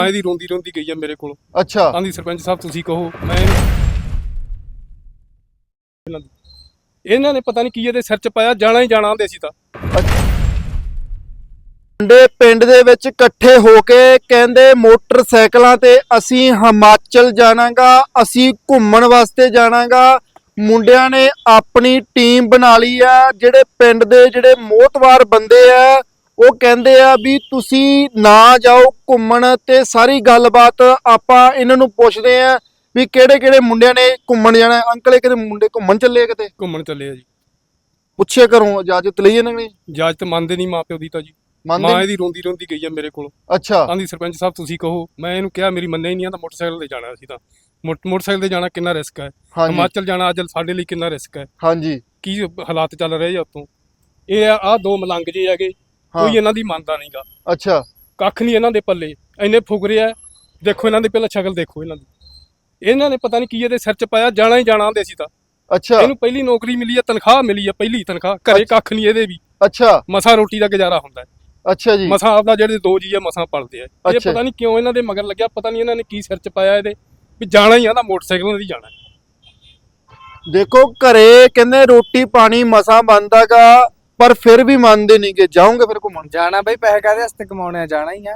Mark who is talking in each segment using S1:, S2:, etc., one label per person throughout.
S1: ਇਹਦੀ ਰੋਂਦੀ ਰੋਂਦੀ ਗਈ ਆ ਮੇਰੇ ਕੋਲ।
S2: ਅੱਛਾ
S1: ਆਂਦੀ ਸਰਪੰਚ ਸਾਹਿਬ ਤੁਸੀਂ ਕਹੋ ਮੈਂ ਇਹਨਾਂ ਨੇ ਪਤਾ ਨਹੀਂ ਕੀ ਇਹਦੇ ਸਿਰ 'ਚ ਪਾਇਆ, ਜਾਣਾ ਹੀ ਜਾਣਾ ਆਂਦੇ ਸੀ ਤਾਂ।
S2: ਮੁੰਡੇ ਪਿੰਡ ਦੇ ਵਿੱਚ ਇਕੱਠੇ ਹੋ ਕੇ ਕਹਿੰਦੇ ਮੋਟਰਸਾਈਕਲਾਂ ਤੇ ਅਸੀਂ ਹਿਮਾਚਲ ਜਾਣਾਗਾ, ਅਸੀਂ ਘੁੰਮਣ ਵਾਸਤੇ ਜਾਣਾਗਾ। ਮੁੰਡਿਆਂ ਨੇ ਆਪਣੀ ਟੀਮ ਬਣਾ ਲਈ ਆ। ਜਿਹੜੇ ਪਿੰਡ ਦੇ ਜਿਹੜੇ ਮੋਹਤਵਾਰ ਬੰਦੇ ਆ ਉਹ ਕਹਿੰਦੇ ਆ ਵੀ ਤੁਸੀਂ ਨਾ ਜਾਓ ਘੁੰਮਣ, ਤੇ ਸਾਰੀ ਗੱਲਬਾਤ ਆਪਾਂ ਇਹਨਾਂ ਨੂੰ ਪੁੱਛਦੇ ਆ ਵੀ ਕਿਹੜੇ ਕਿਹੜੇ ਮੁੰਡਿਆਂ ਨੇ ਘੁੰਮਣ ਜਾਣਾ। ਅੰਕਲ ਇਹ ਕਿਤੇ ਮੁੰਡੇ ਘੁੰਮਣ ਚੱਲੇ ਆ ਕਿਤੇ?
S1: ਘੁੰਮਣ ਚੱਲੇ ਆ ਜੀ।
S2: ਪੁੱਛਿਆ ਕਰੋ ਇਜਾਜ਼ਤ ਲਈ ਇਹਨਾਂ ਨੇ?
S1: ਇਜਾਜ਼ਤ ਮੰਨਦੇ ਨਹੀਂ ਮਾਂ ਪਿਓ ਦੀ ਤਾਂ ਜੀ।
S2: ਮੰਨਦੇ
S1: ਮਾਂ
S2: ਨੀ?
S1: ਇਹਦੀ ਰੋਂਦੀ ਰੋਂਦੀ ਗਈ ਆ ਮੇਰੇ ਕੋਲ।
S2: ਅੱਛਾ
S1: ਆਂਦੀ ਸਰਪੰਚ ਸਾਹਿਬ ਤੁਸੀਂ ਕਹੋ। ਮੈਂ ਇਹਨੂੰ ਕਿਹਾ ਮੇਰੀ ਮੰਨਿਆ ਹੀ ਨਹੀਂ ਆ, ਤਾਂ ਮੋਟਰਸਾਈਕਲ ਤੇ ਜਾਣਾ ਸੀ ਤਾਂ। ਮੋਟਰਸਾਈਕਲ ਤੇ ਜਾਣਾ ਕਿੰਨਾ ਰਿਸਕ ਹੈ,
S2: ਹਾਂਜੀ
S1: ਹਿਮਾਚਲ ਜਾਣਾ ਅੱਜ ਸਾਡੇ ਲਈ ਕਿੰਨਾ ਰਿਸਕ ਹੈ,
S2: ਹਾਂਜੀ
S1: ਕੀ ਹਾਲਾਤ ਚੱਲ ਰਹੇ ਆ ਉੱਤੋਂ। ਇਹ ਆ ਦੋ ਮਲੰਗ ਜੇ ਹੈਗੇ, ਕੋਈ ਇਹਨਾਂ ਦੀ ਮੰਨਦਾ ਨਹੀਂਗਾ।
S2: ਅੱਛਾ
S1: ਕੱਖ ਨਹੀਂ ਇਹਨਾਂ ਦੇ ਪੱਲੇ, ਇੰਨੇ ਫੁਕਰੇ ਆ। ਦੇਖੋ ਇਹਨਾਂ ਦੀ ਪਹਿਲਾਂ ਸ਼ਕਲ ਦੇਖੋ ਇਹਨਾਂ ਦੀ। ਇਹਨਾਂ ਨੇ ਪਤਾ ਨਹੀਂ ਕੀ ਇਹਦੇ ਸਿਰ 'ਚ ਪਾਇਆ, ਜਾਣਾ ਹੀ ਜਾਣਾ ਆਂਦੇ ਸੀ ਤਾਂ।
S2: ਅੱਛਾ
S1: ਇਹਨੂੰ ਪਹਿਲੀ ਨੌਕਰੀ ਮਿਲੀ ਆ, ਤਨਖਾਹ ਮਿਲੀ ਆ, ਪਹਿਲੀ ਤਨਖਾਹ। ਘਰੇ ਕੱਖ ਨਹੀਂ ਇਹਦੇ ਵੀ,
S2: ਅੱਛਾ
S1: ਮਸਾਂ ਰੋਟੀ ਦਾ ਗੁਜ਼ਾਰਾ ਹੁੰਦਾ ਹੈ।
S2: ਅੱਛਾ ਜੀ
S1: ਮਸਾਂ ਆਪਦਾ ਜਿਹੜੇ ਦੋ ਜੀ ਆ ਮਸਾਂ ਪਲਦੇ ਆ। ਇਹ
S2: ਅੱਛਾ।
S1: ਪਤਾ ਨਹੀਂ ਕਿਉਂ ਇਹਨਾਂ ਦੇ ਮਗਰ ਲੱਗਿਆ, ਪਤਾ ਨਹੀਂ ਇਹਨਾਂ ਨੇ ਕੀ ਸਿਰ 'ਚ ਪਾਇਆ ਇਹਦੇ ਵੀ ਜਾਣਾ ਹੀ ਆ ਤਾਂ ਮੋਟਰਸਾਈਕਲਾਂ ਤੇ ਜਾਣਾ।
S2: ਦੇਖੋ ਘਰੇ ਕਹਿੰਦੇ ਰੋਟੀ ਪਾਣੀ ਮਸਾਂ ਬਣਦਾਗਾ, ਪਰ ਫਿਰ ਵੀ ਮੰਨਦੇ ਨਹੀਂ ਕਿ ਜਾਓਗੇ ਫਿਰ ਘੁੰਮਣ।
S3: ਜਾਣਾ ਬਈ ਪੈਸੇ ਕਾਹਦੇ ਵਾਸਤੇ ਕਮਾਉਣੇ ਆ, ਜਾਣਾ ਹੀ ਆ।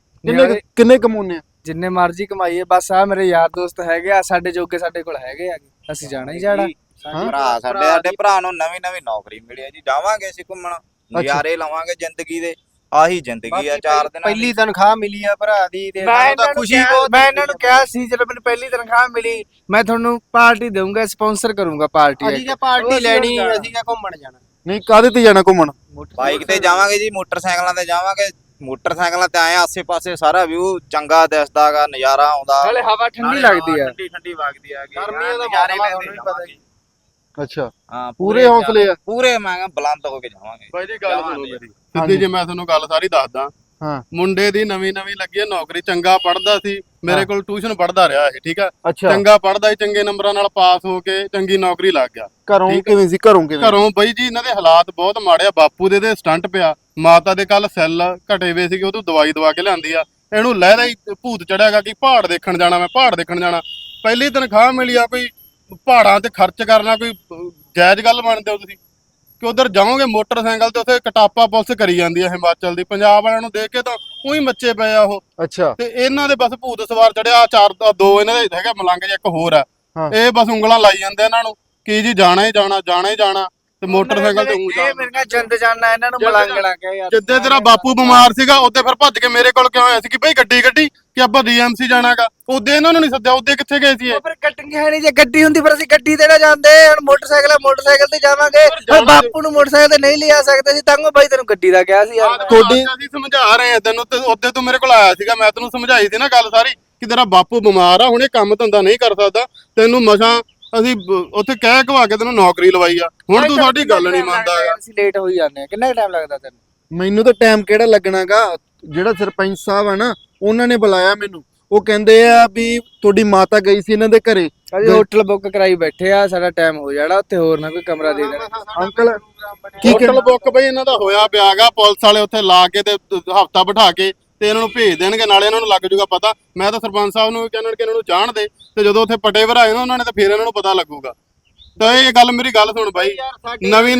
S2: ਕਿੰਨੇ ਕਮਾਉਣੇ ਆ?
S3: ਜਿੰਨੇ ਮਰਜ਼ੀ ਕਮਾਈਏ, ਬਸ ਆ ਮੇਰੇ ਯਾਰ ਦੋਸਤ ਹੈਗੇ ਆ, ਸਾਡੇ ਜੋਗੇ ਸਾਡੇ ਕੋਲ ਹੈਗੇ ਆ, ਅਸੀਂ ਜਾਣਾ ਹੀ ਜਾਣਾ।
S4: ਭਰਾ ਸਾਡੇ ਭਰਾ ਨੂੰ ਨਵੀਂ ਨਵੀਂ ਨੌਕਰੀ ਮਿਲੀ ਹੈ ਜੀ, ਜਾਵਾਂਗੇ ਅਸੀਂ ਘੁੰਮਣ, ਨਜ਼ਾਰੇ ਲਵਾਂਗੇ ਜ਼ਿੰਦਗੀ ਦੇ। ਆਹੀ ਜ਼ਿੰਦਗੀ ਆ 4 ਦਿਨ।
S3: ਪਹਿਲੀ ਤਨਖਾਹ ਮਿਲੀ ਆ ਭਰਾ ਦੀ, ਤੇ ਮੈਨੂੰ ਤਾਂ ਖੁਸ਼ੀ ਬਹੁਤ। ਮੈਂ ਇਹਨਾਂ ਨੂੰ ਕਿਹਾ ਸੀ ਜਦੋਂ ਮੈਨੂੰ ਪਹਿਲੀ ਤਨਖਾਹ ਮਿਲੀ ਮੈਂ ਤੁਹਾਨੂੰ ਪਾਰਟੀ ਦਊਂਗਾ, ਸਪਾਂਸਰ ਕਰੂੰਗਾ ਪਾਰਟੀ।
S5: ਅਸੀਂ ਕਿਹਾ ਪਾਰਟੀ ਲੈਣੀ, ਅਸੀਂ ਕਿਹਾ ਘੁੰਮਣ ਜਾਣਾ।
S2: ਨਹੀਂ ਕਾਹਦੇ ਤੇ ਜਾਣਾ ਘੁੰਮਣ?
S4: ਬਾਈਕ ਤੇ ਜਾਵਾਂਗੇ ਜੀ, ਮੋਟਰਸਾਈਕਲਾਂ ਤੇ ਜਾਵਾਂਗੇ। ਮੋਟਰਸਾਈਕਲਾਂ ਤੇ ਆਏ ਆਸੇ ਪਾਸੇ ਸਾਰਾ ਵਿਊ ਚੰਗਾ ਦਿਸਦਾਗਾ, ਨਜ਼ਾਰਾ ਆਉਂਦਾ,
S3: ਨਾਲੇ ਹਵਾ ਠੰਡੀ ਲੱਗਦੀ ਆ,
S4: ਠੰਡੀ ਠੰਡੀ ਵਗਦੀ ਆ।
S5: ਗਰਮੀਆਂ ਦਾ
S4: ਨਜ਼ਾਰੇ
S5: ਮੌਸਮ
S4: ਲੈਂਦੇ
S5: ਤੁਹਾਨੂੰ ਪਤਾ
S4: ਜਾਵਾਂਗੇ।
S2: ਅੱਛਾ
S4: ਹਾਂ
S2: ਪੂਰੇ ਹੌਸਲੇ ਆ।
S4: ਪੂਰੇ ਮੈਂ ਕਿਹਾ ਬੁਲੰਦ ਹੋ ਕੇ ਜਾਵਾਂਗੇ।
S1: ਬਾਈ ਜੀ ਗੱਲ ਸੁਣੋ ਮੇਰੀ ਸਿੱਧੀ ਜੀ, ਮੈਂ ਤੁਹਾਨੂੰ ਗੱਲ ਸਾਰੀ ਦੱਸਦਾ।
S2: ਹਾਂ
S1: ਮੁੰਡੇ ਦੀ ਨਵੀਂ ਲੱਗੀ ਹੈ ਨੌਕਰੀ, ਚੰਗਾ ਪੜਦਾ ਸੀ, ਮੇਰੇ ਕੋਲ ਟਿਊਸ਼ਨ ਪੜਦਾ ਰਿਹਾ ਇਹ, ਠੀਕ ਆ।
S2: ਅੱਛਾ
S1: ਚੰਗਾ ਪੜਦਾ ਸੀ, ਚੰਗੇ ਨੰਬਰਾਂ ਨਾਲ ਪਾਸ ਹੋ ਕੇ ਚੰਗੀ ਨੌਕਰੀ ਲੱਗ ਗਿਆ।
S2: ਘਰੋਂ ਕਿਵੇਂ ਸੀ? ਘਰੋਂ ਕਿਵੇਂ?
S1: ਘਰੋਂ ਬਈ ਜੀ ਇਹਨਾਂ ਦੇ ਹਾਲਾਤ ਬਹੁਤ ਮਾੜੇ ਆ। ਬਾਪੂ ਦੇ ਸਟੰਟ ਪਿਆ, ਮਾਤਾ ਦੇ ਕੱਲ ਸੈੱਲ ਘਟੇ ਵੇ ਸੀਗੇ, ਉਹਨੂੰ ਦਵਾਈ ਦਵਾ ਕੇ ਲਿਆਂਦੀ ਆ। ਇਹਨੂੰ ਲਹਿਦਾ ਹੀ ਭੂਤ ਚੜਿਆਗਾ ਕਿ ਪਹਾੜ ਦੇਖਣ ਜਾਣਾ, ਮੈਂ ਪਹਾੜ ਦੇਖਣ ਜਾਣਾ। ਪਹਿਲੀ ਤਨਖਾਹ ਮਿਲੀ ਆ, ਕੋਈ ਪਹਾੜਾਂ ਤੇ ਖਰਚ ਕਰਨਾ ਕੋਈ ਜਾਇਜ਼ ਗੱਲ ਮੰਨਦੇ ਹੋ ਤੁਸੀਂ? ਕਿ ਉਧਰ ਜਾਓਗੇ ਮੋਟਰਸਾਈਕਲ ਤੇ, ਉੱਥੇ ਕਟਾਪਾ ਪੁਲਿਸ ਕਰੀ ਜਾਂਦੀ ਆ ਹਿਮਾਚਲ ਦੀ। ਪੰਜਾਬ ਵਾਲਿਆਂ ਨੂੰ ਦੇਖ ਕੇ ਤਾਂ ਉਹੀ ਮੱਚੇ ਪਏ ਆ ਉਹ।
S2: ਅੱਛਾ
S1: ਤੇ ਇਹਨਾਂ ਦੇ ਬਸ ਭੂਤ ਸਵਾਰ ਚੜਿਆ। ਦੋ ਇਹਨਾਂ ਦੇ ਹੈਗਾ ਮਲੰਗ ਜਿਹਾ, ਇੱਕ ਹੋਰ ਆ।
S2: ਹਾਂ।
S1: ਇਹ ਬਸ ਉਂਗਲਾਂ ਲਾਈ ਜਾਂਦੇ ਇਹਨਾਂ ਨੂੰ ਕਿ ਜੀ ਜਾਣਾ ਹੀ ਜਾਣਾ, ਜਾਣਾ ਹੀ ਜਾਣਾ, ਤੇ ਮੋਟਰਸਾਈਕਲ ਤੇ ਊਂ
S3: ਇਹ
S1: ਜਾਣਾ।
S3: ਮੇਰੇ ਨਾਲ ਜਿੰਦ ਜਾਣਾ, ਇਹਨਾਂ ਨੂੰ ਮਲੰਗਣਾ ਕਿਹਾ ਯਾਰ।
S1: ਜਿੱਦੇ ਤੇਰਾ ਬਾਪੂ ਬਿਮਾਰ ਸੀਗਾ ਉਹਦੇ ਫਿਰ ਭੱਜ ਕੇ ਮੇਰੇ ਕੋਲ ਕਿਉਂ ਆਇਆ ਸੀ ਕਿ ਬਈ ਗੱਡੀ ਕਿ ਆਪਾਂ ਡੀਐਮਸੀ ਜਾਣਾਗਾ? ਉਹਦੇ ਇਹਨਾਂ ਨੂੰ ਨਹੀਂ ਸੱਦਿਆ, ਉਹਦੇ ਕਿੱਥੇ ਗਏ ਸੀ ਇਹ?
S3: ਪਰ ਗੱਡੀ ਹੈ ਨਹੀਂ, ਜੇ ਗੱਡੀ ਹੁੰਦੀ ਫਿਰ ਅਸੀਂ ਗੱਡੀ ਤੇ ਨਾ ਜਾਂਦੇ। ਹੁਣ ਮੋਟਰਸਾਈਕਲ ਤੇ ਜਾਵਾਂਗੇ। ਹੁਣ ਬਾਪੂ ਨੂੰ ਮੋਟਰਸਾਈਕਲ ਤੇ ਨਹੀਂ ਲਿਆ ਸਕਦੇ ਸੀ, ਤਾਂ ਬਾਈ ਤੈਨੂੰ ਗੱਡੀ ਦਾ ਕਿਹਾ ਸੀ ਯਾਰ।
S1: ਤੁਹਾਡੀ ਅਸੀਂ ਸਮਝਾ ਰਹੇ ਆ ਤੈਨੂੰ, ਤੇ ਉਹਦੇ ਤੂੰ ਮੇਰੇ ਕੋਲ ਆਇਆ ਸੀਗਾ, ਮੈਂ ਤੈਨੂੰ ਸਮਝਾਈ ਸੀ ਨਾ ਗੱਲ ਸਾਰੀ ਕਿ ਤੇਰਾ ਬਾਪੂ ਬਿਮਾਰ ਆ, ਹੁਣ ਇਹ ਕੰਮ ਧੰਦਾ ਨਹੀਂ ਕਰ ਸਕਦਾ। ਤੈਨੂੰ ਮਸਾਂ ਅਸੀਂ ਉੱਥੇ ਕਹਿ ਘਵਾ ਕੇ ਤੈਨੂੰ ਨੌਕਰੀ ਲਵਾਈ ਆ, ਹੁਣ ਤੂੰ ਸਾਡੀ ਗੱਲ ਨਹੀਂ ਮੰਨਦਾ।
S3: ਅਸੀਂ ਲੇਟ ਹੋਈ ਜਾਂਦੇ ਆ। ਕਿੰਨਾ ਟਾਈਮ ਲੱਗਦਾ ਤੈਨੂੰ?
S2: ਮੈਨੂੰ ਤਾਂ ਟਾਈਮ ਕਿਹੜਾ ਲੱਗਣਾਗਾ? ਜਿਹੜਾ ਸਰਪੰਚ ਸਾਹਿਬ ਆ ਨਾ, ਉਹਨਾਂ ਨੇ ਬੁਲਾਇਆ ਮੈਨੂੰ। ਉਹ ਕਹਿੰਦੇ ਆ ਵੀ ਤੁਹਾਡੀ ਮਾਤਾ ਗਈ ਸੀ ਇਹਨਾਂ ਦੇ ਘਰੇ।
S3: ਅਸੀਂ ਹੋਟਲ ਬੁੱਕ ਕਰਾਈ ਬੈਠੇ ਆ, ਸਾਡਾ ਟਾਈਮ ਹੋ ਜਾਣਾ, ਉੱਥੇ ਹੋਰ ਨਾ ਕੋਈ ਕਮਰਾ ਦੇ ਦੇਣਾ।
S2: ਅੰਕਲ ਕੀ
S1: ਹੋਟਲ ਬੁੱਕ ਬਈ ਇਹਨਾਂ ਦਾ ਹੋਇਆ ਪਿਆਗਾ, ਪੁਲਿਸ ਵਾਲੇ ਉੱਥੇ ਲਾ ਕੇ ਤੇ ਹਫਤਾ ਬਿਠਾ ਕੇ ਤੇ ਇਹਨਾਂ ਨੂੰ ਭੇਜ ਦੇਣਗੇ, ਨਾਲੇ ਇਹਨਾਂ ਨੂੰ ਲੱਗ ਜੂਗਾ ਪਤਾ। ਮੈਂ ਤਾਂ ਸਰਪੰਚ ਸਾਹਿਬ ਨੂੰ ਕਹਿੰਦਾ ਕਿ ਇਹਨਾਂ ਨੂੰ ਜਾਣ ਦੇ, ਤੇ ਜਦੋਂ ਉੱਥੇ ਪਟੇ ਭਰਾਏ ਨਾ ਉਹਨਾਂ ਨੇ, ਤਾਂ ਫਿਰ ਇਹਨਾਂ ਨੂੰ ਪਤਾ ਲੱਗੂਗਾ। ਤਾਂ ਇਹ ਗੱਲ ਮੇਰੀ ਗੱਲ ਸੁਣ ਬਾਈ, ਨਵੀਂ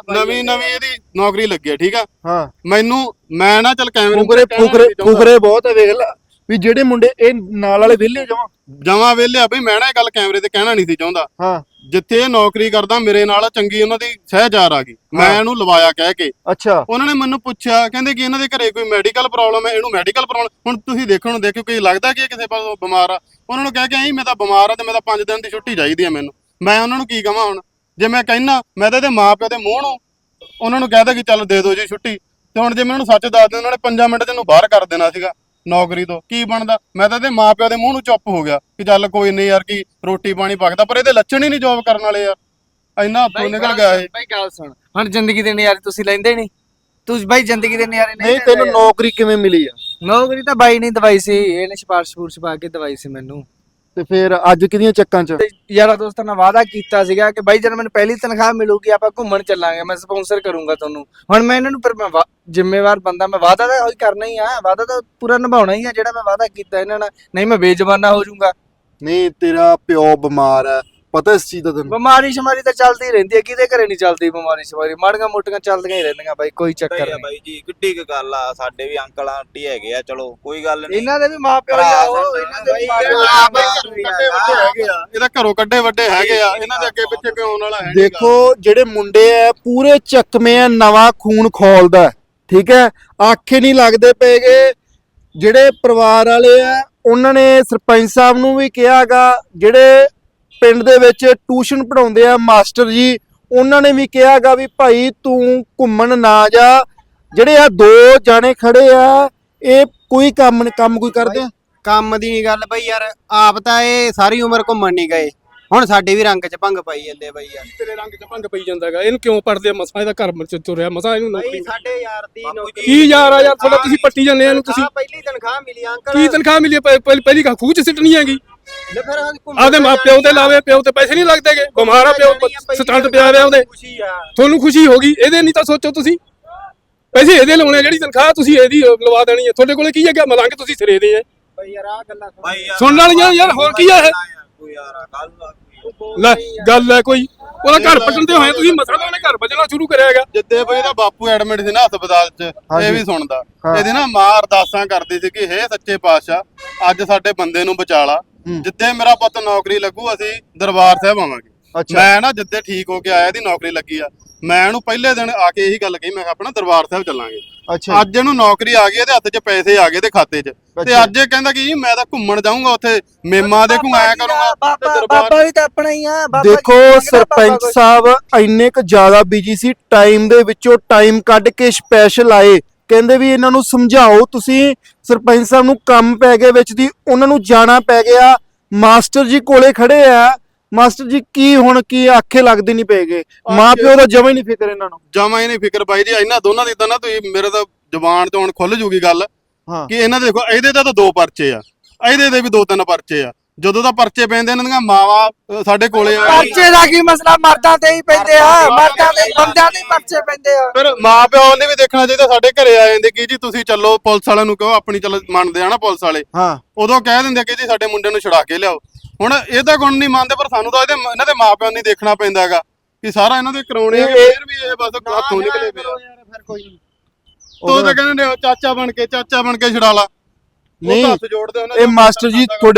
S1: ਇਹਦੀ ਨੌਕਰੀ ਲੱਗੀ ਹੈ, ਠੀਕ ਆ।
S2: ਹਾਂ
S1: ਮੈਂ ਨਾ ਚੱਲ
S2: ਫੁਕਰੇ ਬਹੁਤ ਆ, ਵੇਖ ਲੈ ਵੀ ਜਿਹੜੇ ਮੁੰਡੇ ਇਹ ਨਾਲ ਵਾਲੇ ਵਿਹਲੇ
S1: ਜਮਾ ਵਿਹਲਿਆ ਬਈ। ਮੈਂ ਨਾ ਇਹ ਗੱਲ ਕੈਮਰੇ ਤੇ ਕਹਿਣਾ ਨਹੀਂ ਸੀ ਚਾਹੁੰਦਾ।
S2: ਹਾਂ
S1: ਜਿੱਥੇ ਇਹ ਨੌਕਰੀ ਕਰਦਾ ਮੇਰੇ ਨਾਲ ਚੰਗੀ ਉਹਨਾਂ ਦੀ ਸਹਿਜਾਰ ਆ ਗਈ, ਮੈਂ ਇਹਨੂੰ ਲਵਾਇਆ ਕਹਿ ਕੇ।
S2: ਅੱਛਾ
S1: ਉਹਨਾਂ ਨੇ ਮੈਨੂੰ ਪੁੱਛਿਆ, ਕਹਿੰਦੇ ਕਿ ਇਹਨਾਂ ਦੇ ਘਰੇ ਕੋਈ ਮੈਡੀਕਲ ਪ੍ਰੋਬਲਮ ਹੈ, ਇਹਨੂੰ ਮੈਡੀਕਲ ਪ੍ਰੋਬਲਮ। ਹੁਣ ਤੁਸੀਂ ਦੇਖੋ ਕਿ ਲੱਗਦਾ ਕਿ ਇਹ ਕਿਸੇ ਪਾਸੋਂ ਬਿਮਾਰ ਆ। ਉਹਨਾਂ ਨੂੰ ਕਹਿ ਕੇ ਆਈ ਮੈਂ ਤਾਂ ਬਿਮਾਰ ਆ, ਤੇ ਮੈਂ ਤਾਂ 5 ਦਿਨ ਦੀ ਛੁੱਟੀ ਚਾਹੀਦੀ ਆ ਮੈਨੂੰ। ਮੈਂ ਉਹਨਾਂ ਨੂੰ ਕੀ ਕਹਾਂ ਹੁਣ? ਜੇ ਮੈਂ ਕਹਿਣਾ, ਮੈਂ ਤਾਂ ਇਹਦੇ ਮਾਪਿਓ ਦੇ ਮੂੰਹ ਨੂੰ ਉਹਨਾਂ ਨੂੰ ਕਹਿਦਾ ਕਿ ਚੱਲ ਦੇ ਦਿਓ ਜੀ ਛੁੱਟੀ, ਤੇ ਹੁਣ ਜੇ ਮੈਂ ਉਹਨੂੰ ਸੱਚ ਦੱਸ ਦਿੰਦਾ, ਉਹਨਾਂ ਨੇ 5 ਮਿੰਟ ਤੈਨੂੰ ਬਾਹਰ ਕਰ ਦੇਣਾ ਸੀਗਾ ਨੌਕਰੀ ਤੋਂ। ਕੀ ਬਣਦਾ? ਮੈਂ ਤਾਂ ਇਹਦੇ ਮਾਪਿਓ ਦੇ ਮੂੰਹ ਨੂੰ ਚੁੱਪ ਹੋ ਗਿਆ ਕਿ ਚੱਲ ਕੋਈ ਨਹੀਂ ਯਾਰ, ਕੀ ਰੋਟੀ ਪਾਣੀ ਪੱਕਦਾ, ਪਰ ਇਹਦੇ ਲੱਛਣ ਹੀ ਨਹੀਂ ਜੌਬ ਕਰਨ ਵਾਲੇ ਯਾਰ। ਇੰਨਾ ਹੱਥੋਂ ਨਿਕਲ ਗਿਆ ਇਹ।
S3: ਬਾਈ ਗੱਲ ਸੁਣ, ਹੁਣ ਜ਼ਿੰਦਗੀ ਦੇ ਨਜ਼ਾਰੇ ਤੁਸੀਂ ਲੈਂਦੇ ਨਹੀਂ। ਤੁਸੀਂ ਬਾਈ ਜ਼ਿੰਦਗੀ ਦੇ ਨਜ਼ਾਰੇ
S2: ਨਹੀਂ ਤੈਨੂੰ ਨੌਕਰੀ ਕਿਵੇਂ ਮਿਲੀ ਆ?
S3: ਨੌਕਰੀ ਤਾਂ ਬਾਈ ਨਹੀਂ ਦਵਾਈ ਸੀ, ਇਹਨੇ ਸਿਫਾਰਿਸ਼ ਪਾ ਕੇ ਦਵਾਈ ਸੀ ਮੈਨੂੰ।
S2: ਤੇ ਫਿਰ ਅੱਜ ਕਿਹਦੀਆਂ ਚੱਕਾਂ 'ਚ?
S3: ਤੇ ਯਾਰਾਂ ਦੋਸਤਾਂ ਨਾਲ ਵਾਅਦਾ ਕੀਤਾ ਸੀਗਾ ਕਿ ਬਾਈ ਜਦੋਂ ਮੈਨੂੰ ਪਹਿਲੀ ਤਨਖਾਹ ਮਿਲੂਗੀ ਆਪਾਂ ਘੁੰਮਣ ਚੱਲਾਂਗੇ, ਮੈਂ ਸਪਾਂਸਰ ਕਰੂੰਗਾ ਤੁਹਾਨੂੰ। ਹੁਣ ਮੈਂ ਇਹਨਾਂ ਨੂੰ ਪਰ ਮੈਂ ਜ਼ਿੰਮੇਵਾਰ ਬੰਦਾ, ਮੈਂ ਵਾਅਦਾ ਤਾਂ ਉਹੀ ਕਰਨਾ ਹੀ ਆ, ਵਾਅਦਾ ਤਾਂ ਪੂਰਾ ਨਿਭਾਉਣਾ ਹੀ ਆ ਜਿਹੜਾ ਮੈਂ ਵਾਅਦਾ ਕੀਤਾ ਇਹਨਾਂ ਨਾਲ, ਨਹੀਂ ਮੈਂ ਬੇਜ਼ੁਬਾਨਾ ਹੋ ਜਾਊਂਗਾ।
S2: ਨਹੀਂ, ਤੇਰਾ ਪਿਓ ਬਿਮਾਰ ਹੈ, ਪਤਾ ਇਸ ਚੀਜ਼ ਦਾ ਤੈਨੂੰ?
S3: ਬਿਮਾਰੀ ਸ਼ਮਾਰੀ ਤਾਂ ਚੱਲਦੀ ਰਹਿੰਦੀ ਹੈ, ਕਿਹਦੇ ਘਰੇ ਨਹੀਂ ਚੱਲਦੀ ਬਿਮਾਰੀ ਸ਼ਮਾਰੀ, ਮਾੜੀਆਂ ਮੋਟੀਆਂ ਚੱਲਦੀਆਂ ਹੀ ਰਹਿੰਦੀਆਂ ਬਾਈ, ਕੋਈ ਚੱਕਰ
S4: ਆ
S3: ਨਹੀਂ।
S4: ਬਾਈ ਜੀ ਕਿੱਡੀ ਕੁ ਗੱਲ ਆ, ਸਾਡੇ ਵੀ ਅੰਕਲ ਆਂਟੀ ਹੈਗੇ ਆ, ਚਲੋ ਕੋਈ ਗੱਲ ਨਹੀਂ।
S3: ਇਹਨਾਂ ਦੇ ਵੀ ਮਾਪਿਓ ਆ ਉਹ, ਇਹਨਾਂ ਦੇ ਵੀ
S1: ਕੱਡੇ ਵੱਡੇ ਹੈਗੇ ਆ, ਇਹਦਾ ਘਰੋਂ ਕੱਡੇ ਵੱਡੇ ਹੈਗੇ ਆ, ਇਹਨਾਂ ਦੇ ਅੱਗੇ ਪਿੱਛੇ ਕੋਈ ਆਉਣ ਵਾਲਾ ਹੈ ਨੀ ਗਾ।
S2: ਦੇਖੋ ਜਿਹੜੇ ਮੁੰਡੇ ਆ ਪੂਰੇ ਚੱਕਵੇਂ ਆ, ਨਵਾਂ ਖੂਨ ਖੋਲਦਾ, ਠੀਕ ਹੈ, ਆਖੇ ਨਹੀਂ ਲੱਗਦੇ ਪਏਗੇ। ਜਿਹੜੇ ਪਰਿਵਾਰ ਵਾਲੇ ਆ ਉਹਨਾਂ ਨੇ ਸਰਪੰਚ ਸਾਹਿਬ ਨੂੰ ਵੀ ਕਿਹਾਗਾ, ਜਿਹੜੇ ਪਿੰਡ ਦੇ ਵਿੱਚ ਟਿਊਸ਼ਨ ਪੜਾਉਂਦੇ ਆ ਮਾਸਟਰ ਜੀ, ਉਹਨਾਂ ਨੇ ਵੀ ਕਿਹਾਗਾ ਵੀ ਭਾਈ ਤੂੰ ਘੁੰਮਣ ਨਾ ਜਾ। ਜਿਹੜੇ ਆ ਦੋ ਜਾਣੇ ਖੜੇ ਆ, ਇਹ ਕੋਈ ਕੰਮ ਕੋਈ ਕਰਦੇ ਆ?
S5: ਕੰਮ ਦੀ ਨਹੀਂ ਗੱਲ ਬਈ ਯਾਰ, ਆਪ ਤਾਂ ਇਹ ਸਾਰੀ ਉਮਰ ਘੁੰਮਣ ਨਹੀਂ ਗਏ, ਹੁਣ ਸਾਡੇ ਵੀ ਰੰਗ 'ਚ ਭੰਗ ਪਾਈ ਜਾਂਦੇ ਬਈ ਯਾਰ।
S6: ਤੇਰੇ ਰੰਗ 'ਚ ਭੰਗ ਪਈ ਜਾਂਦਾਗਾ, ਇਹਨੂੰ ਕਿਉਂ ਪੜਦੇ ਮਸਾਂ, ਇਹਦਾ ਘਰ ਚ ਤੁਰਿਆ ਮਸਾਂ, ਇਹਨੂੰ ਨੌਕਰੀ।
S5: ਬਈ ਸਾਡੇ ਯਾਰ ਦੀ ਨੌਕਰੀ
S6: ਕੀ ਯਾਰ ਆ ਯਾਰ ਤੁਹਾਡਾ, ਤੁਸੀਂ ਪੱਟੀ ਜਾਂਦੇ ਇਹਨੂੰ, ਤੁਸੀਂ
S5: ਪਹਿਲੀ ਤਨਖਾਹ ਮਿਲੀ ਅੰਕਲ।
S6: ਕੀ ਤਨਖਾਹ ਮਿਲੀ ਹੈ? ਪਹਿਲੀ ਖੂਹ ਚ ਸਿੱਟਣੀ ਹੈਗੀ।
S5: ਲੈ ਫਿਰ
S6: ਆਪਦੇ ਮਾਂ ਪਿਓ ਤੇ ਲਾਵੇ, ਪਿਓ ਤੇ ਪੈਸੇ ਨਹੀਂ ਲੱਗਦੇਗੇ, ਬਿਮਾਰ ਆ ਪਿਓ, ਸਟੰਟ ਪਿਆ ਰਿਹਾ ਉਹਦੇ,
S5: ਖੁਸ਼ੀ ਆ
S6: ਤੁਹਾਨੂੰ ਖੁਸ਼ੀ ਹੋਗੀ, ਇਹਦੇ ਨਹੀਂ ਤਾਂ ਸੋਚੋ ਤੁਸੀਂ, ਪੈਸੇ ਇਹਦੇ ਲਾਉਣੇ, ਜਿਹੜੀ ਤਨਖਾਹ ਤੁਸੀਂ ਇਹਦੀ ਲਵਾ ਦੇਣੀ ਹੈ। ਤੁਹਾਡੇ ਕੋਲੇ ਕੀ ਹੈਗਾ, ਮਲੰਗ ਤੁਸੀਂ ਸਿਰੇ ਦੇ ਆ,
S5: ਬਈ ਯਾਰ ਆ ਗੱਲਾਂ
S6: ਸੁਣਨ ਵਾਲੀਆਂ ਯਾਰ, ਹੋਰ ਕੀ ਆ ਇਹ?
S4: ਕੋਈ ਯਾਰ ਗੱਲ
S6: ਲੈ ਗੱਲ ਹੈ ਕੋਈ, ਉਹਦਾ ਘਰ ਪੱਟਣ ਤੇ ਹੋਏ ਤੁਸੀਂ, ਮਸਾ ਤਾਂ ਉਹਨੇ ਘਰ ਬਚਣਾ ਸ਼ੁਰੂ ਕਰਿਆ ਹੈਗਾ।
S1: ਜਿੱਦੇ ਬਈ ਇਹਦਾ ਬਾਪੂ ਐਡਮਿਟ ਸੀ ਨਾ ਹਸਪਤਾਲ 'ਚ, ਇਹ ਵੀ ਸੁਣਦਾ। ਇਹਦੀ ਨਾ ਮਾਂ ਅਰਦਾਸਾਂ ਕਰਦੀ ਸੀ ਕਿ ਹੇ ਸੱਚੇ ਪਾਤਸ਼ਾਹ ਅੱਜ ਸਾਡੇ ਬੰਦੇ ਨੂੰ ਬਚਾ ਲਾ, ਜਿੱਦੇ ਮੇਰਾ ਪੁੱਤ ਨੌਕਰੀ ਲੱਗੂ ਅਸੀਂ ਦਰਬਾਰ ਸਾਹਿਬ ਆਵਾਂਗੇ। ਮੈਂ ਨਾ ਜਿੱਦੇ ਠੀਕ ਹੋ ਕੇ ਆਇਆ ਇਹਦੀ ਨੌਕਰੀ ਲੱਗੀ ਆ, ਮੈਂ ਇਹਨੂੰ ਪਹਿਲੇ ਦਿਨ ਆ ਕੇ ਇਹੀ ਗੱਲ ਕਹੀ, ਮੈਂ ਕਿਹਾ ਆਪਣਾ ਦਰਬਾਰ ਸਾਹਿਬ ਚੱਲਾਂਗੇ।
S2: ਅੱਛਾ,
S1: ਅੱਜ ਇਹਨੂੰ ਨੌਕਰੀ ਆ ਗਈ, ਇਹਦੇ ਹੱਥ 'ਚ ਪੈਸੇ ਆ ਗਏ ਤੇ ਖਾਤੇ 'ਚ, ਤੇ ਅੱਜ ਇਹ ਕਹਿੰਦਾ ਕਿ ਮੈਂ ਤਾਂ ਘੁੰਮਣ ਜਾਊਂਗਾ ਉੱਥੇ, ਮੇਮਾ ਦੇ ਘੁੰਮਾਇਆ ਕਰੂੰਗਾ ਤੇ
S3: ਬਾਬਾ
S1: ਦਰਬਾਰ।
S3: ਵੀ ਤਾਂ ਆਪਣਾ ਹੀ ਆ। ਬਾਬਾ
S2: ਦੇਖੋ
S3: ਜੀ ਮੰਗਦਾ
S2: ਸਰਪੰਚ
S3: ਬਾਬਾ ਕੁਛ।
S2: ਸਾਹਿਬ ਇੰਨੇ ਕੁ ਜ਼ਿਆਦਾ ਬਿਜੀ ਸੀ, ਟਾਈਮ ਦੇ ਵਿੱਚੋਂ ਟਾਈਮ ਕੱਢ ਕੇ ਸਪੈਸ਼ਲ ਆਏ, ਕਹਿੰਦੇ ਵੀ ਇਹਨਾਂ ਨੂੰ ਸਮਝਾਓ ਤੁਸੀਂ। ਸਰਪੰਚ ਸਾਹਿਬ ਨੂੰ ਕੰਮ ਪੈ ਗਿਆ ਵਿੱਚ ਦੀ, ਉਹਨਾਂ ਨੂੰ ਜਾਣਾ ਪੈ ਗਿਆ। ਮਾਸਟਰ ਜੀ ਕੋਲੇ ਖੜੇ ਆ, ਮਾਸਟਰ ਜੀ ਕੀ ਹੁਣ ਕੀ ਆਖੇ ਲੱਗਦੇ ਨਹੀਂ ਪਏਗੇ, ਮਾਂ ਪਿਓ ਦਾ ਜਮਾ ਹੀ ਨਹੀਂ ਫਿਕਰ ਇਹਨਾਂ ਨੂੰ।
S1: ਜਮਾ ਹੀ ਨਹੀਂ ਫਿਕਰ ਬਾਈ ਜੀ, ਇਹਨਾਂ ਦੋਨਾਂ ਦੀ ਤਾਂ ਨਾ ਤੁਸੀਂ ਮੇਰੇ ਤਾਂ ਜ਼ੁਬਾਨ ਤੋਂ ਹੁਣ ਖੁੱਲ ਜੂਗੀ ਗੱਲ
S2: ਹਾਂ,
S1: ਕਿ ਇਹਨਾਂ ਦੇ ਦੇਖੋ, ਇਹਦੇ ਤਾਂ 2 ਪਰਚੇ ਆ, ਇਹਦੇ ਦੇ ਵੀ 2-3 ਪਰਚੇ ਆ। ਜਦੋਂ ਦਾ ਪਰਚੇ ਪੈਂਦੇ ਇਹਨਾਂ ਦੀਆਂ ਮਾਵਾਂ ਸਾਡੇ ਕੋਲੇ ਆ,
S3: ਪਰਚੇ ਦਾ ਕੀ ਮਸਲਾ, ਮਰਦਾਂ ਤੇ ਹੀ ਪੈਂਦੇ ਆ, ਮਰਦਾਂ ਦੇ ਬੰਦਿਆਂ ਦੇ ਪਰਚੇ ਪੈਂਦੇ ਆ।
S1: ਫਿਰ ਮਾਂ ਪਿਓ ਨੇ ਵੀ ਦੇਖਣਾ ਚਾਹੀਦਾ। ਸਾਡੇ ਘਰੇ ਆ ਜਾਂਦੇ ਕਿ ਜੀ ਤੁਸੀਂ ਚੱਲੋ, ਪੁਲਿਸ ਵਾਲਿਆਂ ਨੂੰ ਕਹੋ, ਆਪਣੀ ਚੱਲ ਮੰਨਦੇ ਆ ਨਾ ਪੁਲਿਸ ਵਾਲੇ,
S2: ਹਾਂ,
S1: ਉਦੋਂ ਕਹਿ ਦਿੰਦੇ ਕਿ ਜੀ ਸਾਡੇ ਮੁੰਡੇ ਨੂੰ ਛੁਡਾ ਕੇ ਲਿਆਓ। ਹੁਣ ਇਹਦਾ ਗੁਣ ਨਹੀਂ ਮੰਨਦੇ, ਪਰ ਸਾਨੂੰ ਤਾਂ ਇਹਨਾਂ ਦੇ ਮਾਂ ਪਿਓ ਨੂੰ ਦੇਖਣਾ ਪੈਂਦਾ ਹੈਗਾ ਕਿ ਸਾਰਾ ਇਹਨਾਂ ਦੇ ਕਰਾਉਣੇ ਆ, ਫਿਰ ਵੀ ਇਹ ਬਸ ਹੱਥੋਂ ਨਿਕਲੇ ਪਏ ਆ।
S5: ਫਿਰ ਕੋਈ ਨਹੀਂ।
S1: ਤੋ ਤਾਂ ਕਹਿੰਦੇ ਨੇ ਚਾਚਾ ਬਣ ਕੇ ਛੁਡਾ ਲਾ, ਉਹ
S2: ਨਹੀਂ
S1: ਤਾਂ ਹੱਥ ਜੋੜਦੇ ਉਹਨਾਂ
S2: ਇਹ ਮਾਸਟਰ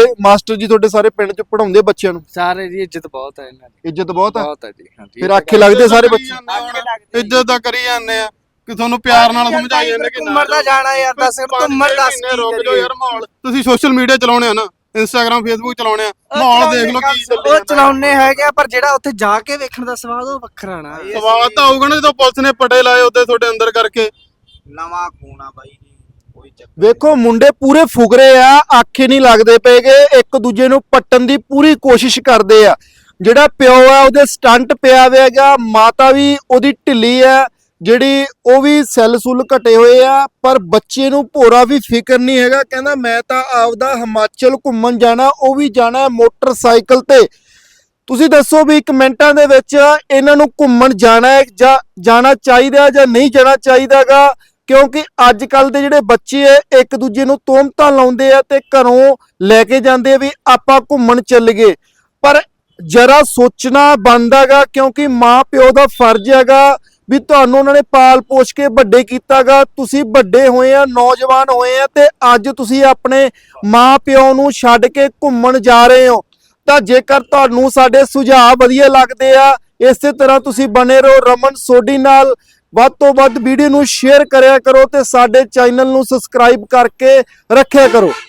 S2: ਜੀ ਤੁਹਾਡੇ ਸਾਰੇ ਪਿੰਡ 'ਚ ਪੜਾਉਂਦੇ ਬੱਚਿਆਂ ਨੂੰ?
S3: ਸਾਰੇ ਦੀ ਇੱਜ਼ਤ ਬਹੁਤ ਹੈ ਇਹਨਾਂ ਦੀ,
S2: ਇੱਜ਼ਤ ਬਹੁਤ ਹੈ,
S3: ਬਹੁਤ ਹੈ ਜੀ। ਹਾਂਜੀ
S2: ਫਿਰ ਆਖੇ ਲੱਗਦੇ ਸਾਰੇ ਬੱਚੇ?
S1: ਇੱਜ਼ਤ ਤਾਂ ਕਰੀ ਜਾਂਦੇ ਆ ਕਿ ਤੁਹਾਨੂੰ ਪਿਆਰ ਨਾਲ ਸਮਝਾਈ ਜਾਂਦੇ ਕਿ
S3: ਘੁੰਮਣ ਦਾ ਜਾਣਾ ਯਾਰ, ਦੱਸ ਘੁੰਮਣ ਦੱਸ ਕੀ
S1: ਰੁਕ ਜਾਓ
S3: ਕਰੀਏ?
S1: ਯਾਰ। ਮਾਹੌਲ ਤੁਸੀਂ ਸੋਸ਼ਲ ਮੀਡੀਆ ਚਲਾਉਣੇ ਆ ਨਾ, ਇੰਸਟਾਗ੍ਰਾਮ ਫੇਸਬੁੱਕ ਚਲਾਉਣੇ ਆ, ਮਾਹੌਲ ਦੇਖ ਲਓ ਕੀ ਚੱਲੀ
S3: ਉਹ ਚਲਾਉਣੇ ਹੈਗੇ ਆ, ਪਰ ਜਿਹੜਾ ਉੱਥੇ ਜਾ ਕੇ ਵੇਖਣ ਦਾ ਸਵਾਦ ਉਹ ਵੱਖਰਾ ਨਾ।
S1: ਸਵਾਦ ਤਾਂ ਆਊਗਾ ਨਾ ਜਦੋਂ ਪੁਲਿਸ ਨੇ ਪਟੇ ਲਾਏ ਉੱਤੇ ਤੁਹਾਡੇ ਅੰਦਰ ਕਰਕੇ।
S4: ਨਵਾਂ ਖੂਨ ਆ ਬਾਈ ਜੀ, ਕੋਈ ਚੱਕਰ
S2: ਵੇਖੋ ਮੁੰਡੇ ਪੂਰੇ ਫੁਕਰੇ ਆ, ਆਖੇ ਨਹੀਂ ਲੱਗਦੇ ਪਏਗੇ, ਇੱਕ ਦੂਜੇ ਨੂੰ ਪੱਟਣ ਦੀ ਪੂਰੀ ਕੋਸ਼ਿਸ਼ ਕਰਦੇ ਆ। ਜਿਹੜਾ ਪਿਓ ਆ ਉਹਦੇ ਸਟੰਟ ਪਿਆ ਹੋਵੇਗਾ, ਮਾਤਾ ਵੀ ਉਹਦੀ ਢਿੱਲੀ ਆ, ਜਿਹੜੀ ਉਹ ਵੀ ਸੈੱਲ ਸੁੱਲ ਘਟੇ ਹੋਏ ਆ, ਪਰ ਬੱਚੇ ਨੂੰ ਭੋਰਾ ਵੀ ਫਿਕਰ ਨਹੀਂ ਹੈਗਾ। ਕਹਿੰਦਾ ਮੈਂ ਤਾਂ ਆਪਦਾ ਹਿਮਾਚਲ ਘੁੰਮਣ ਜਾਣਾ, ਉਹ ਵੀ ਜਾਣਾ ਮੋਟਰਸਾਈਕਲ ਤੇ। ਤੁਸੀਂ ਦੱਸੋ ਵੀ ਕਮੈਂਟਾਂ ਦੇ ਵਿੱਚ ਇਹਨਾਂ ਨੂੰ ਘੁੰਮਣ ਜਾਣਾ ਹੈ ਜਾਂ ਜਾਣਾ ਚਾਹੀਦਾ ਜਾਂ ਨਹੀਂ ਜਾਣਾ ਚਾਹੀਦਾਗਾ, ਕਿਉਂਕਿ ਅੱਜ ਕੱਲ ਦੇ ਜਿਹੜੇ ਬੱਚੇ ਐ ਇੱਕ ਦੂਜੇ ਨੂੰ ਤੋਹਮਤਾਂ ਲਾਉਂਦੇ ਆ ਤੇ ਘਰੋਂ ਲੈ ਕੇ ਜਾਂਦੇ ਆ ਵੀ ਆਪਾਂ ਘੁੰਮਣ ਚੱਲ ਗਏ। ਪਰ ਜਰਾ ਸੋਚਣਾ ਬਣਦਾਗਾ, ਕਿਉਂਕਿ ਮਾਂ ਪਿਓ ਦਾ ਫਰਜ਼ ਹੈਗਾ ਵੀ ਤੁਹਾਨੂੰ ਉਹਨਾਂ ਨੇ ਪਾਲ ਪੋਸ਼ ਕੇ ਵੱਡੇ ਕੀਤਾਗਾ, ਤੁਸੀਂ ਵੱਡੇ ਹੋਏ ਆ, ਨੌਜਵਾਨ ਹੋਏ ਆ, ਤੇ ਅੱਜ ਤੁਸੀਂ ਆਪਣੇ ਮਾਂ ਪਿਓ ਨੂੰ ਛੱਡ ਕੇ ਘੁੰਮਣ ਜਾ ਰਹੇ ਹੋ। ਤਾਂ ਜੇਕਰ ਤੁਹਾਨੂੰ ਸਾਡੇ ਸੁਝਾਅ ਵਧੀਆ ਲੱਗਦੇ ਆ, ਇਸੇ ਤਰ੍ਹਾਂ ਤੁਸੀਂ ਬਣੇ ਰਹੋ ਰਮਨ ਸੋਢੀ ਨਾਲ। ਵੱਧ ਤੋਂ ਵੱਧ ਵੀਡੀਓ ਨੂੰ ਸ਼ੇਅਰ ਕਰਿਆ ਕਰੋ ਤੇ ਸਾਡੇ ਚੈਨਲ ਨੂੰ ਸਬਸਕ੍ਰਾਈਬ ਕਰਕੇ ਰੱਖਿਆ ਕਰੋ।